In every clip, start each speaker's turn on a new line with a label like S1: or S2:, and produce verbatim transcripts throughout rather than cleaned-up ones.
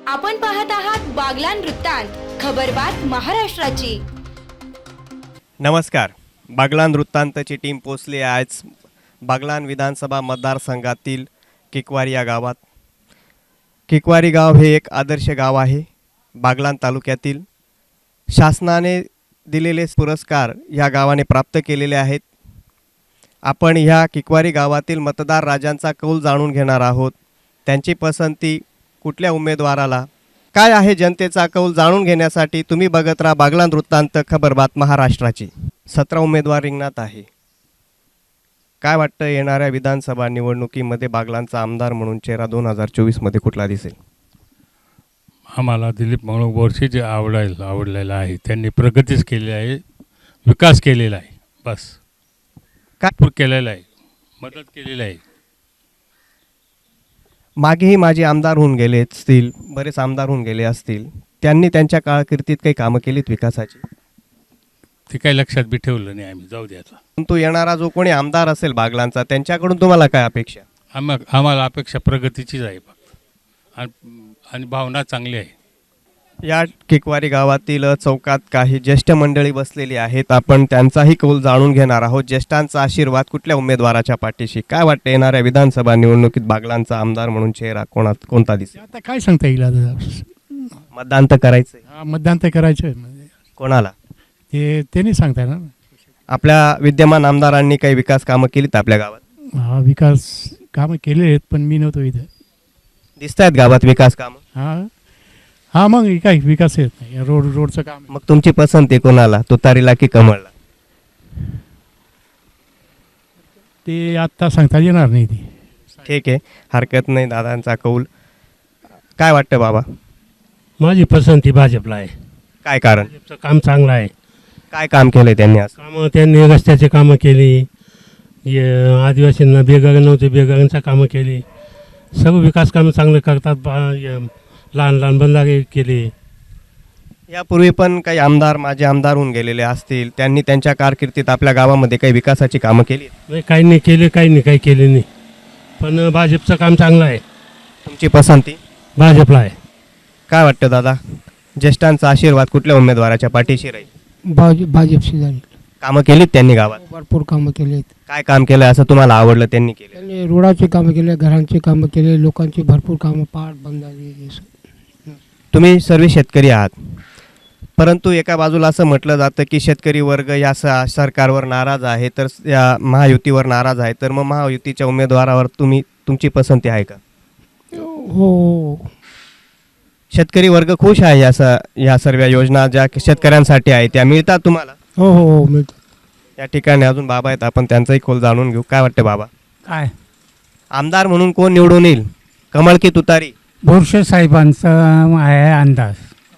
S1: आपण पाहत आहात बागलान वृत्तांत, खबरबात महाराष्ट्राची.
S2: नमस्कार. बागलान वृत्तांतची टीम पोचली आहे आज बागलान विधानसभा मतदारसंघातील किकवारी या गावात. किकवारी गाव हे एक आदर्श गाव आहे. बागलान तालुक्यातील शासनाने दिलेले पुरस्कार या गावाने प्राप्त केलेले आहेत. आपण ह्या किकवारी गावातील मतदार राजांचा कौल जाणून घेणार आहोत. त्यांची पसंती कुठल्या उमेदवाराला, काय आहे जनतेचा कौल जाणून घेण्यासाठी तुम्ही बघत राहा बागलान वृत्तांत, खबरबात महाराष्ट्राची. सतरा उमेदवार रिंगणात आहे. काय वाटतं येणाऱ्या विधानसभा निवडणुकीमध्ये बागलांचा आमदार म्हणून चेहरा दोन हजार चोवीसमध्ये कुठला दिसेल?
S3: आम्हाला दिलीप मंगळू बोरसे जे आवडायला आवडलेलं आहे, त्यांनी प्रगतीच केली आहे, विकास केलेला आहे, बस
S2: काय
S3: भरपूर केलेला आहे, मदत केलेली आहे.
S2: मागेही माझे आमदार होऊन गेले असतील, बरेच आमदार होऊन गेले असतील, त्यांनी त्यांच्या कारकिर्दीत काही कामं केलीत विकासाची?
S3: ते काही लक्षात बी ठेवलं नाही आम्ही, जाऊ द्यायचा.
S2: परंतु येणारा जो कोणी आमदार असेल बागलांचा, त्यांच्याकडून तुम्हाला काय अपेक्षा?
S3: आम्हा आम्हाला अपेक्षा प्रगतीचीच आहे फक्त, आणि आणि भावना चांगली आहे.
S2: या किकवारी गावातील चौकात काही ज्येष्ठ मंडळी बसलेली आहेत. आपण त्यांचाही कौल जाणून घेणार आहोत. ज्येष्ठांचा आशीर्वाद कुठल्या उमेदवाराच्या पाठीशी? काय वाटतं येणाऱ्या विधानसभा निवडणुकीत बागलांचा आमदार म्हणून चेहरा कोणा कोणता दिसेल?
S4: आता काय सांगता येईल आता.
S2: मतदान तर करायचंय.
S4: हा, मतदान तर करायचं आहे म्हणजे
S2: कोणाला?
S4: ते ते नाही सांगता ना.
S2: आपल्या विद्यमान आमदारांनी काही विकास कामं केलीत आपल्या गावात?
S4: हा, विकास कामं केले आहेत पण मी नव्हतो इथं.
S2: दिसत आहेत गावात विकास कामं?
S4: हा हा मग काय विकास येत नाही. रोड रोडचं काम आहे.
S2: मग तुमची पसंती कोणाला, तुतारीला की कमळला?
S4: ते आत्ता सांगता येणार नाही. ते
S2: ठीक आहे, हरकत नाही. दादांचा कौल काय वाटतं बाबा?
S5: माझी पसंती भाजपला आहे.
S2: काय कारण?
S5: भाजपचं काम चांगलं आहे.
S2: काय काम केलंय त्यांनी आज?
S5: कामं त्यांनी रस्त्याचे कामं केली, ये आदिवासींना बेघर नव्हते बेघरांचं कामं केली, सर्व विकास कामं चांगले करतात. बा- य- लहान लहान बंधारे केले.
S2: यापूर्वी पण काही आमदार माझे आमदार होऊन गेलेले असतील, त्यांनी त्यांच्या कारकिर्दीत आपल्या गावामध्ये काही विकासाची कामं केली?
S5: नाही, काही नाही केले, काही नाही काही केले नाही, पण भाजपचं काम चांगलं आहे.
S2: तुमची पसंती
S5: भाजपला आहे.
S2: काय वाटतं दादा? ज्येष्ठांचा आशीर्वाद कुठल्या उमेदवाराच्या पाठीशी राहील?
S6: भाज भाजपशी झाली.
S2: कामं केलीत त्यांनी गावात?
S6: भरपूर कामं केले आहेत.
S2: काय काम केलं असं तुम्हाला आवडलं त्यांनी केलं?
S6: त्यांनी रोडाचे कामं केले, घरांचे कामं केले, लोकांची भरपूर कामं, पाट बंधारे हे सगळं.
S2: तुम्ही सर्व शेतकरी आहात, परंतु एका बाजूला असं म्हटलं जातं की शेतकरी वर्ग या स- सरकारवर नाराज आहे, तर या महायुतीवर नाराज आहे. तर मग महायुतीच्या उमेदवारावर तुम्ही तुमची पसंती आहे का?
S6: हो,
S2: शेतकरी वर्ग खुश आहे या स या सर्व योजना ज्या शेतकऱ्यांसाठी आहे त्या मिळतात तुम्हाला?
S6: हो हो हो मिळतं.
S2: या ठिकाणी अजून बाबा आहेत, आपण त्यांचाही खोल जाणून घेऊ. काय वाटतं बाबा,
S7: काय
S2: आमदार म्हणून कोण निवडून येईल, कमळ की तुतारी?
S7: बोरसे साहेबांचा आहे अंदाज.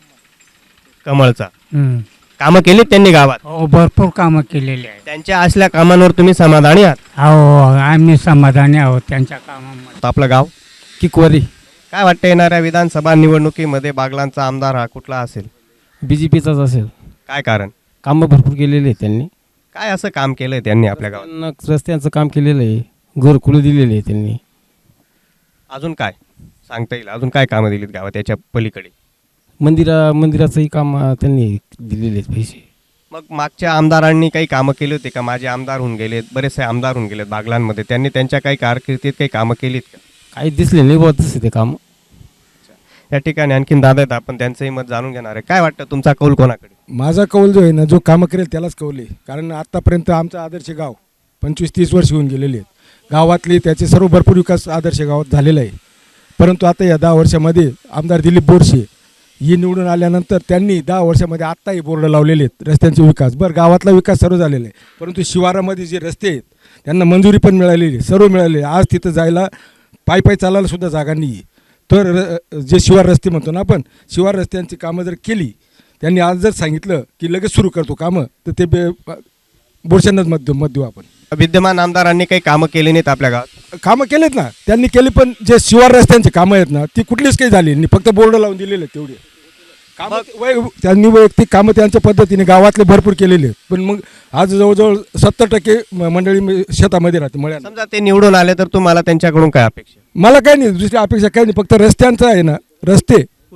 S2: कमळचा.
S7: हं.
S2: कामं केलीत त्यांनी गावात?
S7: हो, भरपूर कामं केलेली आहेत.
S2: त्यांच्या असल्या कामांवर तुम्ही समाधानी आहात?
S7: हो, आम्ही समाधानी आहोत त्यांच्या कामामध्ये.
S2: आपलं गाव
S8: किकवारी.
S2: काय वाटतं येणाऱ्या विधानसभा निवडणुकीमध्ये बागलांचा आमदार हा कुठला असेल?
S8: बी जे पीचाच असेल.
S2: काय कारण?
S8: कामं भरपूर केलेले आहेत त्यांनी.
S2: काय असं काम केलंय त्यांनी आपल्या गावात?
S8: त्यांना रस्त्यांचं काम केलेलं आहे, घरकुलं दिलेले आहे त्यांनी.
S2: अजून काय सांगता येईल? अजून काय कामं दिलीत गावात याच्या पलीकडे?
S8: मंदिरा मंदिराचंही काम अं, त्यांनी दिलेले आहेत पैसे.
S2: मग मागच्या आमदारांनी काही कामं केली होती का? माझे आमदार होऊन गेलेत, बरेचसे आमदार होऊन गेलेत बागलांमध्ये, त्यांनी त्यांच्या काही कारकिर्दीत काही कामं केलीत का?
S8: काही दिसले नाही बहुत तसे ते काम.
S2: या ठिकाणी आणखीन दादा आहेत, आपण त्यांचंही मत जाणून घेणार आहे. काय वाटतं तुमचा कौल कोणाकडे?
S9: माझा कौल जो आहे ना, जो कामं करेल त्यालाच कौल आहे. कारण आत्तापर्यंत आमचं आदर्श गाव पंचवीस तीस वर्ष होऊन गेलेले आहेत. गावातले त्याचे सर्व भरपूर विकास आदर्श गावात झालेला आहे. परंतु आता या दहा वर्षामध्ये आमदार दिलीप बोरसे ही निवडून आल्यानंतर त्यांनी दहा वर्षामध्ये आत्ताही बोर्ड लावलेले आहेत रस्त्यांचे विकास. बरं, गावातला विकास सर्व झालेला आहे, परंतु शिवारामध्ये जे रस्ते आहेत त्यांना मंजुरी पण मिळालेली आहे, सर्व मिळालेली आहे. आज तिथं जायला पायी पायी चालायला सुद्धा जागा नाही आहे. तर र जे शिवार रस्ते म्हणतो ना आपण, शिवार रस्त्यांची कामं जर केली, त्यांनी आज जर सांगितलं की लगेच सुरू करतो कामं, तर ते बे बोरशांनाच मत देऊ मत देऊ आपण.
S2: विद्यमान आमदारांनी काही कामं केली नाहीत आपल्या गावात?
S9: कामं केलेत ना त्यांनी केली, पण जे शिवार रस्त्यांची कामं आहेत ना ती कुठलीच काही झाली नाही, फक्त बोर्ड लावून दिलेले आहेत तेवढे कामं. वै त्यांनी वैयक्तिक कामं त्यांच्या पद्धतीने गावातले भरपूर केलेले आहेत. पण मग आज जवळजवळ सत्तर टक्के मंडळी शेतामध्ये राहते मळ्यात.
S2: समजा ते निवडून आले तर तुम्हाला त्यांच्याकडून काय अपेक्षा?
S9: मला काही नाही, दुसरी अपेक्षा काही नाही, फक्त रस्त्यांचं आहे ना, रस्ते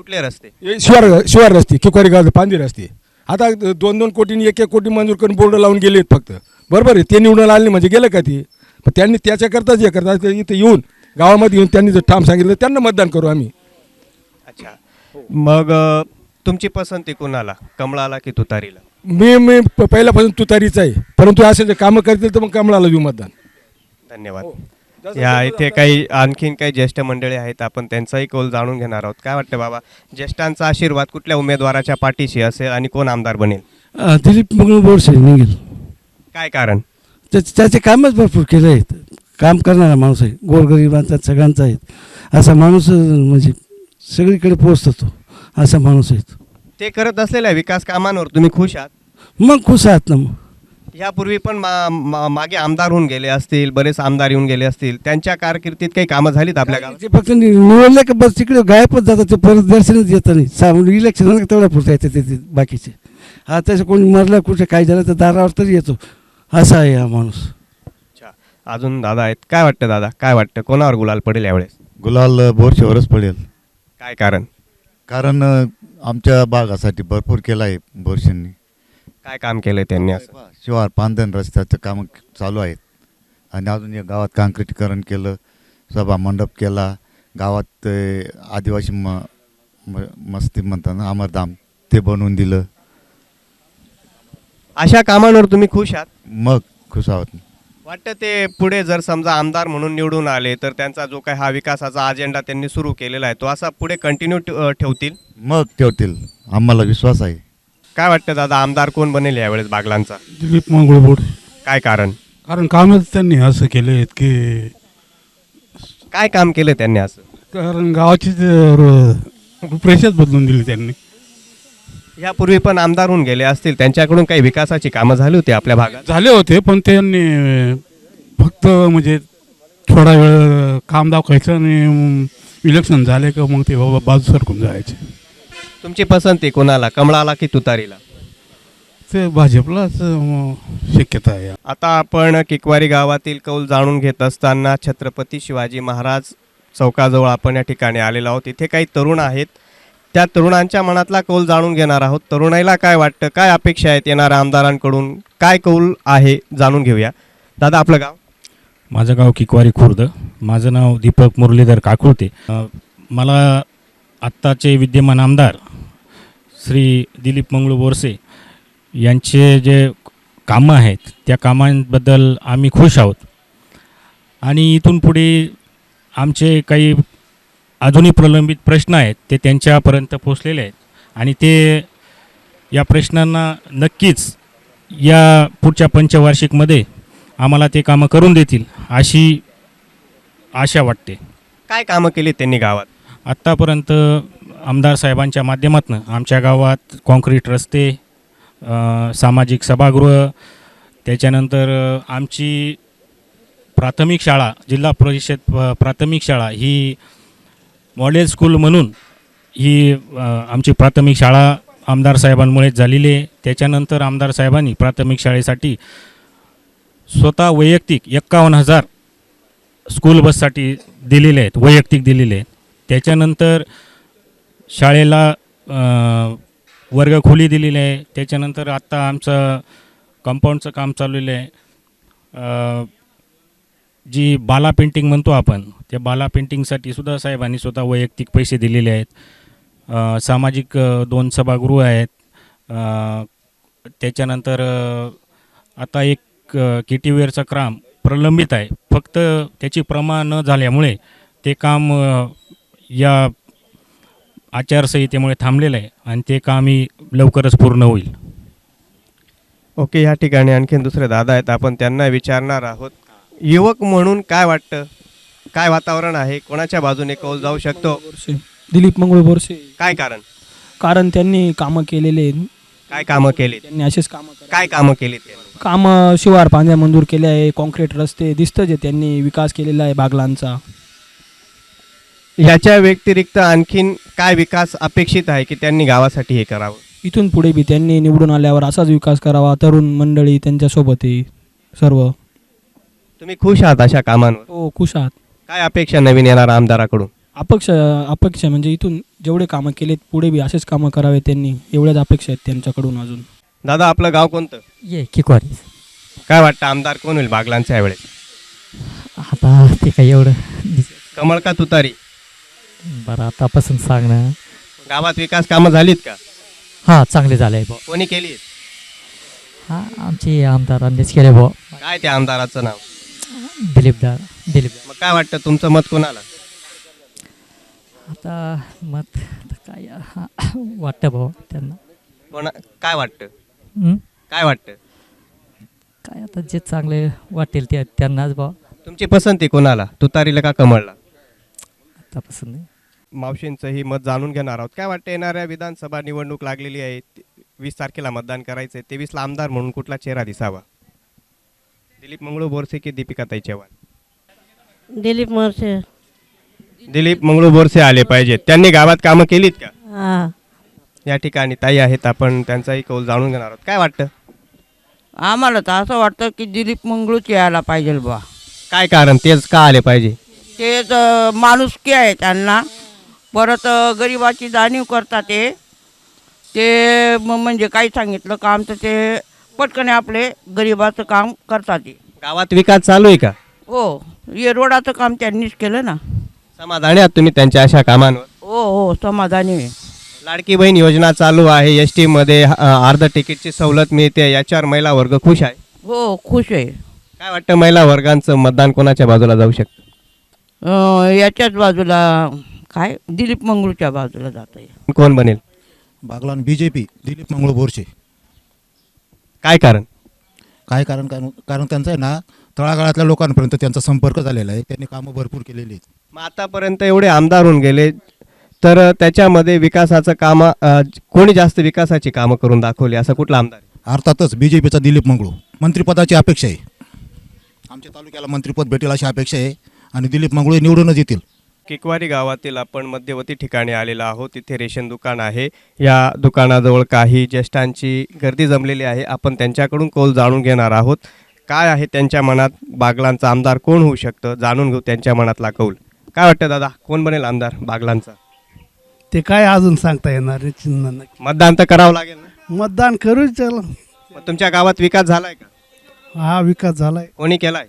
S2: कुठले रस्ते?
S9: हे शिवार शिवार रस्ते, किकवारी गाव पांदी रस्ते. आता दोन दोन कोटी एक एक कोटी मंजूर करून बोर्ड लावून गेलेत फक्त. बरोबर आहे, ते निवडून आले म्हणजे गेलं का ते? पण त्यांनी त्याच्याकरताच हे करतात, इथं येऊन गावामध्ये येऊन त्यांनी जर ठाम सांगितलं त्यांना मतदान करू आम्ही.
S2: अच्छा, मग अ, तुमची पसंती कुणाला, कमळाला की तुतारीला?
S9: मी मी प- पहिल्यापासून तुतारीच आहे, परंतु असे जर कामं करतील तर मग कमळाला देऊ मतदान.
S2: धन्यवाद. या इथे काही आणखीन काही ज्येष्ठ मंडळी आहेत, आपण त्यांचाही कौल जाणून घेणार आहोत. काय वाटतं बाबा, ज्येष्ठांचा आशीर्वाद कुठल्या उमेदवाराच्या पाठीशी असेल आणि कोण आमदार बनेल?
S10: दिलीप मंगळ बोरसे निघेल.
S2: काय कारण?
S10: त्याचे त्याचे कामच भरपूर केले आहेत. काम करणारा माणूस आहे, गोरगरिबांचा सगळ्यांचा आहे. असा माणूस म्हणजे सगळीकडे पोहोचतो तो, असा माणूस आहे.
S2: ते करत असलेल्या विकास कामांवर तुम्ही खुश आहात?
S10: मग खुश आहात ना. मग
S2: यापूर्वी पण मा, मा, मागे आमदार होऊन गेले असतील, बरेच आमदार येऊन गेले असतील, त्यांच्या कारकिर्दीत काही कामं झालीत आपल्या गावात?
S10: ते फक्त नि- निवडले का बस तिकडे गायबच जातात, ते परत दर्शनच येतं नाही. सा इलेक्शन तेवढ्या पुरता येते ते ते बाकीचे. हा तसं कोणी मरलं कुठे काय झालं तर दारावर तरी येतो, असा आहे हा माणूस.
S2: अच्छा, अजून दादा आहेत. काय वाटतं दादा, काय वाटतं कोणावर गुलाल पडेल यावेळेस?
S11: गुलाल बोरशेवरच पडेल.
S2: काय कारण?
S11: कारण अ, आमच्या भागासाठी भरपूर केलं आहे बोरशेंनी.
S2: काय काम केलंय त्यांनी असं?
S11: शिवार पांधन रस्त्याचं कामं चालू आहेत आणि अजून या गावात काँक्रिटीकरण केलं, सभा मंडप केला, गावात अ, आदिवासी म म- मस्ती म्हणतात ना, अमरधाम, ते बनवून दिलं.
S2: अशा कामांवर तुम्ही खुश आहात?
S11: मग खुश आहोत.
S2: वाटतं ते पुढे जर समजा आमदार म्हणून निवडून आले तर त्यांचा जो काही हा विकासाचा अजेंडा त्यांनी सुरू केलेला आहे तो असा पुढे कंटिन्यू ठेवतील?
S11: मग ठेवतील, आम्हाला विश्वास आहे.
S2: काय वाटतं दादा, आमदार कोण बनेल यावेळेस बागलांचा?
S4: दिलीप मंगळ बोरसे.
S2: काय कारण?
S4: कारण कामच त्यांनी असं केले आहेत की,
S2: काय काम केलं त्यांनी असं?
S4: कारण गावाची ते र- रूपरेषाच बदलून दिली त्यांनी.
S2: यापूर्वी पण आमदार होऊन गेले असतील, त्यांच्याकडून काही विकासाची कामं झाली होती आपल्या भागात?
S4: झाले होते, पण त्यांनी फक्त म्हणजे थोडा वेळ काम दाखवायचं आणि इलेक्शन झाले का मग ते बाबा बाजू सरकून जायचे.
S2: तुमची पसंती कोणाला, कमळाला की तुतारीला?
S4: ते भाजपलाच अं, शक्यता आहे.
S2: आता आपण किकवारी गावातील कौल जाणून घेत असताना छत्रपती शिवाजी महाराज चौकाजवळ आपण या ठिकाणी आलेलो आहोत. इथे काही तरुण आहेत, त्या तरुणांच्या मनातला कौल जाणून घेणार आहोत. तरुणाईला काय वाटतं, काय अपेक्षा आहेत येणाऱ्या आमदारांकडून, काय कौल आहे जाणून घेऊया. दादा, आपलं गाव?
S3: माझं गाव किकवारी खुर्द. माझं नाव दीपक मुरलीधर काकुळते. अ, मला आत्ताचे विद्यमान आमदार श्री दिलीप मंगळ बोरसे यांचे जे कामं आहेत त्या कामांबद्दल आम्ही खुश आहोत. आणि इथून पुढे आमचे काही अजूनही प्रलंबित प्रश्न आहेत ते त्यांच्यापर्यंत पोचलेले आहेत आणि ते या प्रश्नांना नक्कीच या पुढच्या पंचवार्षिकमध्ये आम्हाला ते कामं करून देतील अशी आशा वाटते.
S2: काय कामं केली त्यांनी गावात?
S3: आत्तापर्यंत आमदार साहेबांच्या माध्यमातून आमच्या गावात कॉन्क्रीट रस्ते, अ, सामाजिक सभागृह, त्याच्यानंतर अ, आमची प्राथमिक शाळा, जिल्हा परिषद प- प्राथमिक शाळा ही मॉडेल स्कूल म्हणून ही अ, आमची प्राथमिक शाळा आमदार साहेबांमुळेच झालेली आहे. त्याच्यानंतर आमदार साहेबांनी प्राथमिक शाळेसाठी स्वतः वैयक्तिक एक्कावन्न हजार स्कूल बससाठी दिलेले आहेत, वैयक्तिक दिलेले आहेत. त्याच्यानंतर शाळेला अ, वर्गखोली दिलेली आहे. त्याच्यानंतर आत्ता आमचं कंपाऊंडचं काम चाललेलं आहे. अ, जी बाला पेंटिंग म्हणतो आपण, त्या बाला पेंटिंगसाठी सुद्धा साहेबांनी स्वतः वैयक्तिक पैसे दिलेले आहेत. अ, सामाजिक अ, दोन सभागृह आहेत. अ, त्याच्यानंतर अ, आता एक के टी वेअरचं काम प्रलंबित आहे, फक्त त्याची प्रमाण न झाल्यामुळे ते काम अ, या आचारसंहितेमुळे थांबलेलं आहे आणि ते कामही लवकरच पूर्ण होईल.
S2: ओके, या ठिकाणी आणखीन दुसरे दादा आहेत, आपण त्यांना विचारणार आहोत. युवक म्हणून काय वाटतं, काय वातावरण आहे, कोणाच्या बाजूने कौल जाऊ शकतो?
S12: बोरसे, दिलीप मंगळ बोरसे.
S2: काय कारण?
S12: कारण त्यांनी कामं केलेले आहेत.
S2: काय कामं केली
S12: त्यांनी असेच कामं करा-
S2: काय कामं केली त्यांनी?
S12: कामं शिवार पांद्या मंजूर केले आहे, कॉन्क्रीट रस्ते दिसतं जे त्यांनी विकास केलेला आहे बागलांचा.
S2: याच्या व्यतिरिक्त आणखीन काय विकास अपेक्षित आहे की त्यांनी गावासाठी हे करावं?
S12: इथून पुढे बी त्यांनी निवडून आल्यावर असाच विकास करावा. तरुण मंडळी त्यांच्यासोबत आहे सर्व.
S2: तुम्ही खुश आहात अशा कामांवर?
S12: हो, खुश आहात.
S2: काय अपेक्षा नवीन येणाऱ्या आमदाराकडून?
S12: अपेक्षा अपेक्षा म्हणजे इथून जेवढे कामं केलेत पुढे बी असेच कामं करावे त्यांनी, एवढ्याच अपेक्षा आहेत त्यांच्याकडून अजून.
S2: दादा आपलं गाव कोणतं?
S7: ये किकवारी.
S2: काय वाटतं आमदार कोण होईल बागलांच्या यावेळेस?
S7: आता ते काय एवढं
S2: कमळ का तुतारी?
S7: बरं आतापासून सांगणं.
S2: गावात विकास कामं झालीत का?
S7: हां चांगले झाले भाऊ.
S2: कोणी केली?
S7: हां आमचे आमदारांनीच केले भाऊ.
S2: काय त्या आमदाराचं नाव?
S7: दिलीपदार दिलीप.
S2: मग काय वाटतं तुमचं मत कोणाला?
S7: आता मत आता काय हां वाटतं भाऊ त्यांना.
S2: कोणा काय वाटतं?
S7: हं?
S2: काय वाटतं?
S7: काय आता जे चांगले वाटेल ते त्यांनाच भाऊ.
S2: तुमची पसंती कोणाला, तुतारीला का कमळला?
S7: आतापासून नाही.
S2: मावशींचंही मत जाणून घेणार आहोत. काय वाटतं येणाऱ्या विधानसभा निवडणूक लागलेली आहे, वीस तारखेला मतदान करायचं आहे, तेवीसला आमदार म्हणून कुठला चेहरा दिसावा? दिलीप मंगळू बोरसे की दीपिकाताई चव्हाण?
S13: दिलीप मोरसे.
S2: दिलीप मंगळू बोरसे आले पाहिजेत. त्यांनी गावात कामं केलीत का?
S13: हां.
S2: या ठिकाणी ताई आहेत, आपण त्यांचाही कौल जाणून घेणार आहोत. काय वाटतं?
S14: आम्हाला तर असं वाटतं की दिलीप मंगळूच यायला पाहिजे बा.
S2: काय कारण, तेच का आले पाहिजे?
S14: तेच अ, माणुसकी आहे त्यांना, परत अ, गरिबाची जाणीव करतात ते ते म- म्हणजे काही सांगितलं काम तर ते पटकन आपले गरिबाचं काम करतात ते.
S2: गावात विकास चालू आहे का?
S14: हो, हे रोडाचं काम त्यांनीच केलं ना.
S2: समाधानी आहात तुम्ही त्यांच्या अशा कामांवर?
S14: हो हो समाधानी आहे.
S2: लाडकी बहीण योजना चालू आहे, एस टी मध्ये अ, अर्ध तिकीटची सवलत मिळते, याच्यावर महिला वर्ग खुश आहे.
S14: हो खुश आहे.
S2: काय वाटतं महिला वर्गांचं मतदान कोणाच्या बाजूला जाऊ शकतं?
S14: अ, याच्याच बाजूला काय दिलीप मंगळूच्या बाजूला जात आहे.
S2: कोण बनेल?
S15: Baglan B J P Dilip Mangalu Borse.
S2: काय कारण?
S15: काय कारण कारण कारण त्यांचं आहे ना, तळागाळातल्या लोकांपर्यंत त्यांचा संपर्क झालेला आहे, त्यांनी कामं भरपूर केलेली आहेत.
S2: मग आतापर्यंत एवढे आमदार होऊन गेले, तर त्याच्यामध्ये विकासाचं काम कोणी जास्त विकासाची कामं करून दाखवली, असं कुठला आमदार आहे?
S15: अर्थातच बी जे पीचा दिलीप मंगळू. मंत्रिपदाची अपेक्षा आहे, आमच्या तालुक्याला मंत्रिपद भेटेल अशी अपेक्षा आहे, आणि दिलीप मंगळू निवडूनच येतील.
S2: किकवारी गावातील आपण मध्यवर्ती ठिकाणी आलेलो आहोत. तिथे रेशन दुकान आहे. या दुकानाजवळ काही ज्येष्ठांची गर्दी जमलेली आहे. आपण त्यांच्याकडून कौल जाणून घेणार आहोत. काय आहे त्यांच्या मनात, बागलांचा आमदार कोण होऊ शकतं, जाणून घेऊ त्यांच्या मनातला कौल. काय वाटतं दादा, कोण बनेल आमदार बागलांचा?
S10: ते काय अजून सांगता येणार नाही, चिन्ह नाही.
S2: मतदान तर करावं लागेल ना?
S10: मतदान करूच चला.
S2: मग तुमच्या गावात विकास झालाय का?
S10: हा विकास झालाय.
S2: कोणी केलाय?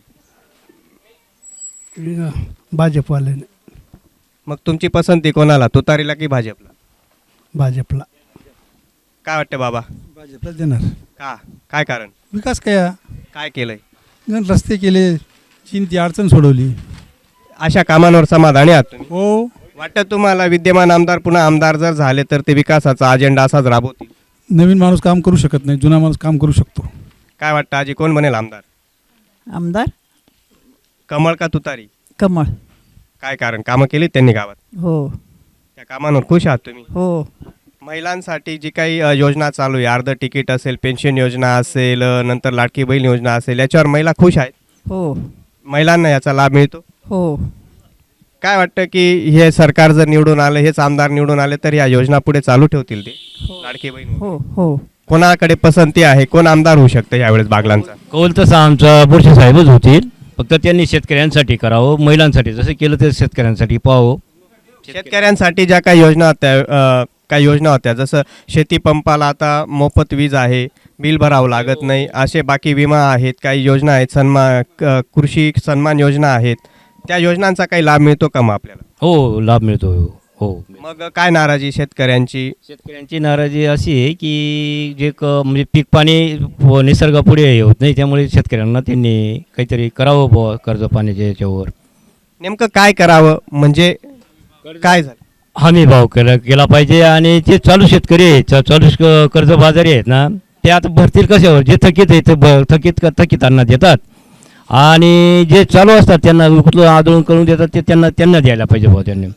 S10: भाजपवाल्याने.
S2: मग तुमची पसंती कोणाला, तुतारीला की भाजपला?
S10: भाजपला.
S2: काय वाटतं बाबा?
S10: भाजपला देणार.
S2: का, काय कारण?
S10: विकास काय
S2: काय केलंय?
S10: गण रस्ते केले, चिंती अडचण सोडवली.
S2: अशा कामांवर समाधानी आहात तुम्ही?
S10: हो.
S2: वाटतं तुम्हाला विद्यमान आमदार पुन्हा आमदार जर झाले तर ते विकासाचा अजेंडा असाच राबवतील?
S10: नवीन माणूस काम करू शकत नाही, जुना माणूस काम करू शकतो.
S2: काय वाटतं आजी, कोण बनेल आमदार?
S14: आमदार
S2: कमळ का तुतारी?
S14: कमळ.
S2: काय कारण, कामं केलीत त्यांनी गावात?
S14: हो
S2: त्या कामांवर खुश आहात तुम्ही?
S14: हो.
S2: महिलांसाठी जी काही अ, योजना चालू आहे, अर्ध तिकीट असेल, पेन्शन योजना असेल, अ, नंतर लाडकी बहीण योजना असेल, याच्यावर महिला खुश आहेत?
S14: हो
S2: महिलांना याचा लाभ मिळतो?
S14: हो.
S2: काय वाटतं की हे सरकार जर निवडून आलं, हेच आमदार निवडून आले, तर या योजना पुढे चालू ठेवतील ते, लाडकी बहीण?
S14: हो हो.
S2: कोणाकडे पसंती आहे, कोण आमदार होऊ शकतं यावेळेस बागलांचा?
S16: कौल तसं आमचा बोरसे साहेबच होतील, फक्त त्यांनी शेतकऱ्यांसाठी करावं, महिलांसाठी जसं केलं ते शेतकऱ्यांसाठी पाहावं.
S2: शेतकऱ्यांसाठी ज्या काही योजना होत्या, अ, काही योजना होत्या, जसं शेती पंपाला आता मोफत वीज आहे, बिल भरावं लागत नाही, असे बाकी विमा आहेत, काही योजना आहेत, सन्मान क- कृषी सन्मान योजना आहेत, त्या योजनांचा काही लाभ मिळतो का मग आपल्याला?
S16: हो लाभ मिळतो. हो.
S2: मग काय नाराजी शेतकऱ्यांची?
S16: शेतकऱ्यांची नाराजी अशी आहे की जे क म्हणजे पीक पाणी व निसर्गापुढे हे होत नाही, त्यामुळे शेतकऱ्यांना त्यांनी काहीतरी करावं बुवा कर्ज पाण्याच्या याच्यावर.
S2: नेमकं काय करावं म्हणजे काय झालं?
S16: हमी भाव केला केला पाहिजे, आणि जे चालू शेतकरी आहेत, चा- चालू श- कर्जबाजारी आहेत ना, ते आता भरतील कशावर? जे थकीत आहेत ते ब थकीत थकीतांना देतात, आणि जे चालू असतात त्यांना कुठलं आंदोलन करून देतात ते त्यांना त्यांना द्यायला पाहिजे भाऊ त्यांनी.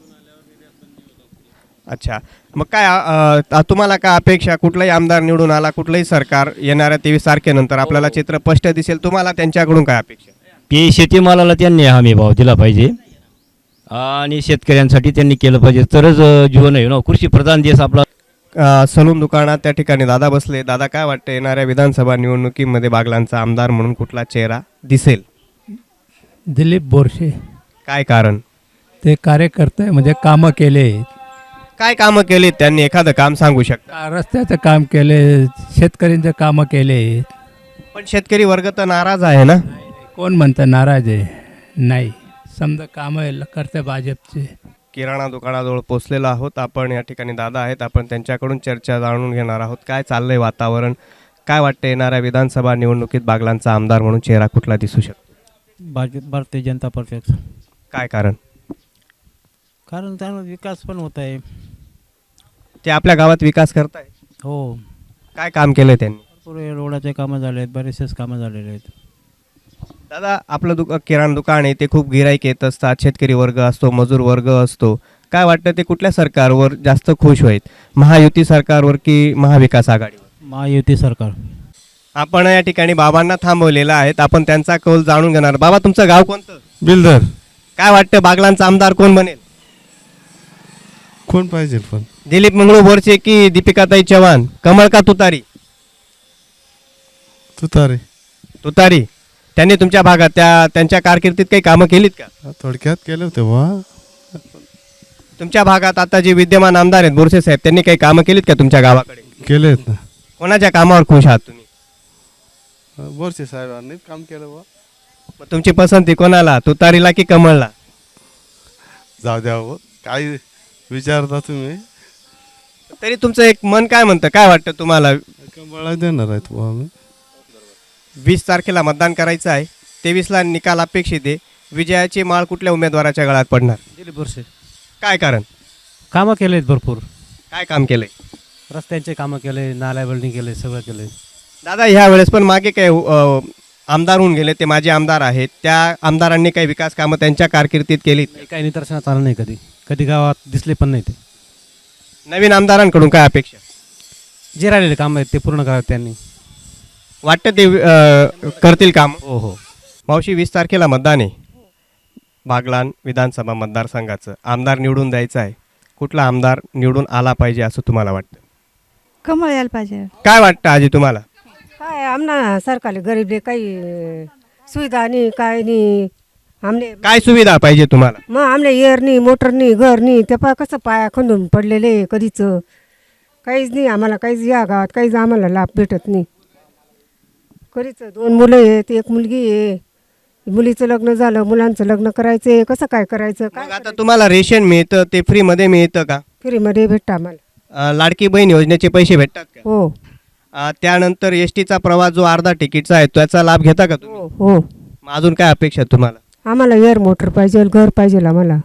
S2: अच्छा, मग काय अ, तुम्हाला काय अपेक्षा, कुठलाही आमदार निवडून आला, कुठलंही सरकार येणाऱ्या तेवीस तारखेनंतर आपल्याला चित्र स्पष्ट दिसेल, तुम्हाला त्यांच्याकडून काय अपेक्षा?
S16: की शेतीमालाला त्यांनी हमी भाव दिला पाहिजे, आणि शेतकऱ्यांसाठी त्यांनी केलं पाहिजे, तरच अ, जीवन आहे ना, कृषी प्रधान देश आपला.
S2: अ, सलून दुकानात त्या ठिकाणी दादा बसले. दादा, काय वाटतं येणाऱ्या विधानसभा निवडणुकीमध्ये बागलांचा आमदार म्हणून कुठला चेहरा दिसेल?
S5: दिलीप बोरसे.
S2: काय कारण?
S7: ते कार्यकर्ते म्हणजे कामं केले,
S2: काय कामं केली त्यांनी, एखादं काम सांगू शकता?
S7: रस्त्याचं काम केले, शेतकऱ्यांचं कामं केले.
S2: पण शेतकरी वर्ग तर नाराज आहे ना.
S7: कोण म्हणतं नाराज आहे? नाही, समजा कामं करते भाजपचे.
S2: किराणा दुकानाजवळ पोचलेलो आहोत आपण. या ठिकाणी दादा आहेत, आपण त्यांच्याकडून चर्चा जाणून घेणार आहोत. काय चाललंय वातावरण, काय वाटतं येणाऱ्या विधानसभा निवडणुकीत बागलांचा आमदार म्हणून चेहरा कुठला दिसू शकतो?
S13: भाजप भारतीय जनता पक्षाचा.
S2: काय कारण?
S13: कारण चांगला विकास पण होत आहे.
S2: ते आपल्या गावात विकास करताय?
S13: हो.
S2: काय काम केलंय त्यांनी?
S13: पुरे रोडाचे कामं झाले आहेत, बरेचसेच कामं झालेले आहेत.
S2: दादा, आपलं दुका किराणा दुकान आहे, ते खूप गिराईक येत असतात, शेतकरी वर्ग असतो, मजूर वर्ग असतो. काय वाटतं ते कुठल्या सरकारवर जास्त खुश होईल, महायुती सरकारवर की महाविकास आघाडीवर?
S13: महायुती सरकार.
S2: आपण या ठिकाणी बाबांना थांबवलेलं आहेत, आपण त्यांचा कौल जाणून घेणार. बाबा, तुमचं गाव कोणतं?
S17: बिल्डर.
S2: काय वाटतं बागलांचा आमदार कोण बनेल?
S17: कोण पाहिजे पण?
S2: दिलीप मंगळू बोरसे की दीपिकाताई चव्हाण, कमळ का तुतारी?
S17: तुतारी.
S2: तुतारी. त्यांनी तुमच्या भागात त्या त्यांच्या कारकिर्दीत काही कामं केलीत का?
S17: थोडक्यात केलं होते वा.
S2: तुमच्या भागात आता जे विद्यमान आमदार आहेत बोरसे साहेब, त्यांनी काही कामं केलीत का तुमच्या गावाकडे?
S17: केले आहेत ना.
S2: कोणाच्या कामावर खुश आहात तुम्ही?
S17: बोरसे साहेबांनी काम केलं वा.
S2: मग तुमची पसंती कोणाला, तुतारीला की कमळला?
S17: जाऊ द्या हो, काय विचारता तुम्ही?
S2: तरी तुमचं एक मन काय म्हणतं, काय वाटतं तुम्हाला?
S17: कमळा देणार आहेत बुवा आम्ही.
S2: वीस तारखेला मतदान करायचं आहे, तेवीसला निकाल अपेक्षित आहे. विजयाची माळ कुठल्या उमेदवाराच्या गळ्यात पडणार?
S13: दिलीप बोरसे.
S2: काय कारण?
S13: कामं केले आहेत भरपूर.
S2: काय काम केलंय?
S13: रस्त्यांचे कामं केले, नाल्या बिल्डिंग केले, सगळं केले.
S2: दादा, ह्या वेळेस पण मागे काय अ, आमदार होऊन गेले, ते माझे आमदार आहेत, त्या आमदारांनी काही विकास कामं त्यांच्या कारकिर्दीत केली?
S13: काही निदर्शनात आलं नाही, कधी कधी गावात दिसले पण नाही. ते
S2: नवीन आमदारांकडून काय अपेक्षा?
S13: जे राहिलेले कामं आहेत ते पूर्ण करावे त्यांनी.
S2: वाटतं ते अ, करतील काम?
S13: हो हो.
S2: मावशी, वीस तारखेला मतदान आहे बागलान विधानसभा मतदारसंघाचं. आमदार निवडून द्यायचं आहे, कुठला आमदार निवडून आला पाहिजे असं तुम्हाला वाटतं?
S18: कमळ यायला पाहिजे.
S2: काय वाटतं आजी तुम्हाला?
S18: काय आमना सरकारले गरीबले काही सुविधा नाही, काय नाही. आमले
S2: काय सुविधा पाहिजे तुम्हाला?
S18: मग आमले एअर नाही, मोटर नाही, घर नाही. ते पा कसं पाया खंदून पडलेले कधीच, काहीच नाही आम्हाला. काहीच या गावात काहीच आम्हाला लाभ भेटत नाही. कधीच दोन मुलं आहेत, एक मुलगी आहे. मुलीचं लग्न झालं, मुलांचं लग्न करायचं, कसं काय करायचं? काय
S2: आता तुम्हाला रेशन मिळतं, ते फ्रीमध्ये मिळतं का?
S18: फ्रीमध्ये भेटतं आम्हाला.
S2: अ, लाडकी बहीण योजनेचे पैसे भेटतात का?
S18: हो
S2: अ, त्यानंतर एस टीचा प्रवास जो अर्धा तिकीटचा आहे त्याचा लाभ घेता का तुम्ही?
S18: हो.
S2: मग अजून काय अपेक्षा आहे तुम्हाला?
S18: आम्हाला एअर मोटर पाहिजे, घर पाहिजे आम्हाला.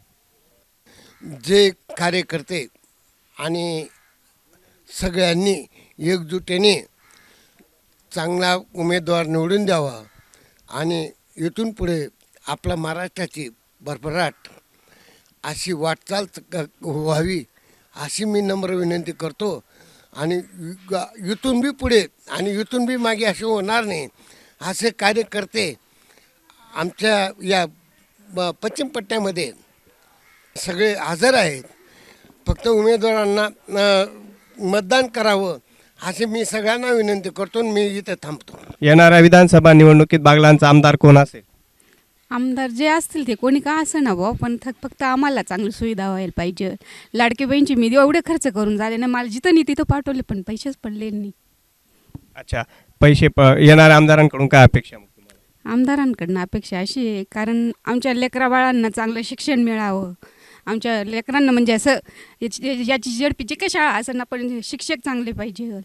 S19: जे कार्यकर्ते आणि सगळ्यांनी एकजुटीने चांगला उमेदवार निवडून द्यावा आणि इथून पुढे आपल्या महाराष्ट्राची भरभराट अशी वाटचाल क- व्हावी अशी मी नम्र विनंती करतो. आणि ग- इथून बी पुढे आणि इथून बी मागे असे होणार नाही, असे कार्यकर्ते आमच्या या ब- पश्चिम पट्ट्यामध्ये सगळे हजर आहेत. फक्त उमेदवारांना अ, मतदान करावं असे मी सगळ्यांना विनंती करतो. मी इथे थांबतो.
S2: येणाऱ्या विधानसभा निवडणुकीत बागलांचा आमदार कोण असेल?
S20: आमदार जे असतील ते कोणी का असं ना भाऊ, पण थ- फक्त आम्हाला चांगली सुविधा व्हायला पाहिजे. लाडकी बहीणची मी एवढे खर्च करून झाले ना, मला जिथं नाही तिथं पाठवले पण पैसेच पडले नाही.
S2: अच्छा, पैसे प येणाऱ्या आमदारांकडून काय अपेक्षा? मग तुम्हाला
S20: आमदारांकडनं अपेक्षा अशी आहे, कारण आमच्या लेकरा बाळांना चांगलं शिक्षण मिळावं. आमच्या लेकरांना म्हणजे असं याची याची झेडपीची काय शाळा असं ना, पण शिक्षक चांगले पाहिजे.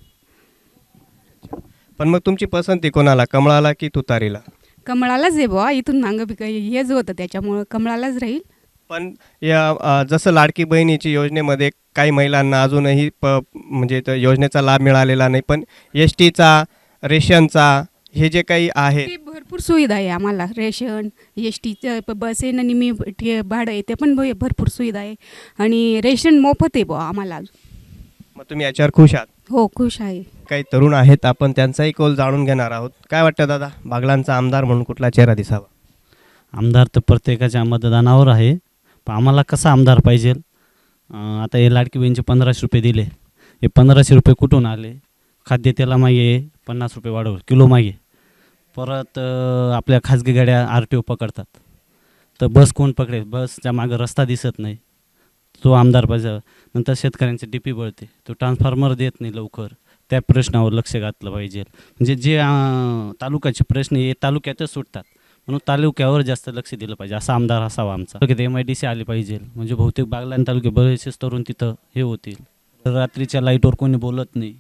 S2: पण मग तुमची पसंती कोणाला, कमळाला की तुतारीला?
S20: कमळालाच आहे बुवा, इथून मागं बी काही हेच होतं त्याच्यामुळं कमळालाच राहील.
S2: पण या अ, जसं लाडकी बहिणीची योजनेमध्ये काही महिलांना अजूनही प म्हणजे त्या योजनेचा लाभ मिळालेला नाही, पण एस टीचा, रेशनचा हे जे काही आहे
S20: ते भरपूर सुविधा आहे आम्हाला. रेशन, एस टीचं बस आहे, निमी ठे भाडं आहे, ते पण भ- भरपूर सुविधा आहे. आणि रेशन मोफत आहे बुवा आम्हाला.
S2: मग तुम्ही याच्यावर खुश आहात?
S20: हो, खुश आहे.
S2: काही तरुण आहेत, आपण त्यांचाही कौल जाणून घेणार आहोत. काय वाटतं दादा, बागलांचा आमदार म्हणून कुठला चेहरा दिसावा?
S21: आमदार तर प्रत्येकाच्या मतदानावर आहे, पण आम्हाला कसा आमदार पाहिजे? अं, आता हे लाडकी बहीणचे पंधराशे रुपये दिले, हे पंधराशे रुपये कुठून आले? खाद्यतेला मागे पन्नास रुपये वाढवलं किलो मागे. परत अं, आपल्या खाजगी गाड्या आर टी ओ पकडतात. तर बस कोण पकडेल, बसच्या मागं रस्ता दिसत नाही, तो आमदार पाहिजे. नंतर शेतकऱ्यांचे डी पी बळते, तो ट्रान्सफॉर्मर देत नाही लवकर, त्या प्रश्नावर लक्ष घातलं पाहिजे. म्हणजे जे अं, तालुक्याचे प्रश्न हे तालुक्यातच सुटतात, म्हणून तालुक्यावर जास्त लक्ष दिलं पाहिजे, असा आमदार असावा आमचा. तालुक्यात एम आय डी सी आली पाहिजे, म्हणजे बहुतेक बागलाण तालुक्यात बरेचसेच तरुण तिथं हे होतील. तर रात्रीच्या लाईटवर कोणी बोलत नाही,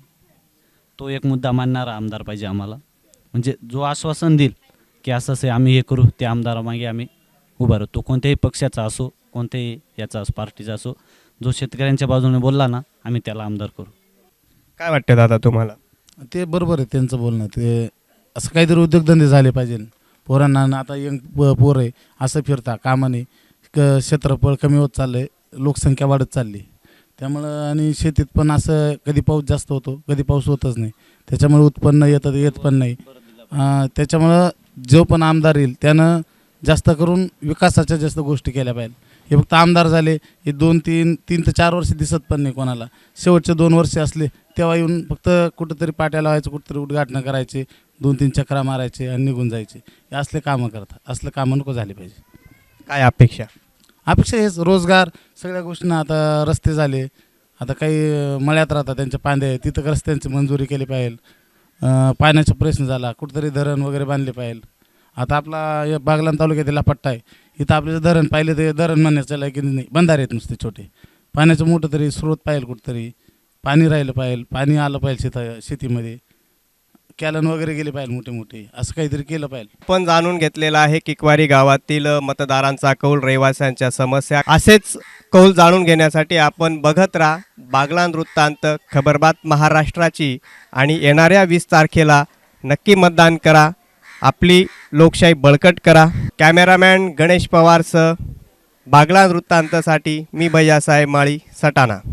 S21: तो एक मुद्दा मानणारा आमदार पाहिजे आम्हाला. म्हणजे जो आश्वासन देईल की असं असे आम्ही हे करू, त्या आमदारामागे आम्ही उभा राहतो. कोणत्याही पक्षाचा असो, कोणत्याही याचा असो, पार्टीचा असो, जो शेतकऱ्यांच्या बाजूने बोलला ना, आम्ही त्याला आमदार करू.
S2: काय वाटतं दादा तुम्हाला?
S15: ते बरोबर आहे त्यांचं बोलणं. ते असं काहीतरी उद्योगधंदे झाले पाहिजे. पोरांना न आता यंग प पोर आहे असं फिरता कामाने, क क्षेत्रफळ कमी होत चाललं आहे, लोकसंख्या वाढत चालली. त्यामुळं आणि शेतीत पण असं कधी पाऊस जास्त होतो, कधी पाऊस होतच नाही, त्याच्यामुळे उत्पन्न येतं येत पण नाही. त्याच्यामुळं जो पण आमदार येईल त्यानं जास्त करून विकासाच्या जास्त गोष्टी केल्या पाहिजे. हे फक्त आमदार झाले, हे दोन तीन तीन ते चार वर्ष दिसत पण नाही कोणाला. शेवटचे दोन वर्ष असले तेव्हा येऊन फक्त कुठंतरी पाट्या लावायचं, कुठंतरी उद्घाटनं करायचे, दोन तीन चक्रा मारायचे आणि निघून जायचे, हे असले कामं करतात. असले कामं नको झाले पाहिजे.
S2: काय अपेक्षा?
S15: अपेक्षा हेच रोजगार, सगळ्या गोष्टींना. आता रस्ते झाले, आता काही मळ्यात राहतात त्यांच्या पांदे, तिथं रस्त्यांची मंजुरी केली पाहिजे. पाण्याचा प्रश्न झाला, कुठंतरी धरण वगैरे बांधले पाहिजे. आता आपला बागलाण तालुक्यातील पट्टा आहे, इथं आपल्याचं धरण पाहिलं तर धरण म्हणण्याचं लायकी नाही, बंधारे आहेत नुसते छोटे. पाण्याचं मोठं तरी स्रोत पाहिजे, कुठंतरी पाणी राहिलं पाहिजे, पाणी आलं पाहिजे शेता शेतीमध्ये, कॅलन वगैरे गेले पाहिजे मोठे मोठे, असं काहीतरी केलं पाहिजे.
S2: पण जाणून घेतलेला आहे किकवारी गावातील मतदारांचा कौल, रहिवाशांच्या समस्या. असेच कौल जाणून घेण्यासाठी आपण बघत राहा बागलाण वृत्तांत, खबरबात महाराष्ट्राची. आणि येणाऱ्या वीस तारखेला नक्की मतदान करा, आपली लोकशाही बळकट करा. कॅमेरामॅन गणेश पवारसह बागलाण वृत्तांतसाठी मी भैयासाहेब माळी, सटाणा.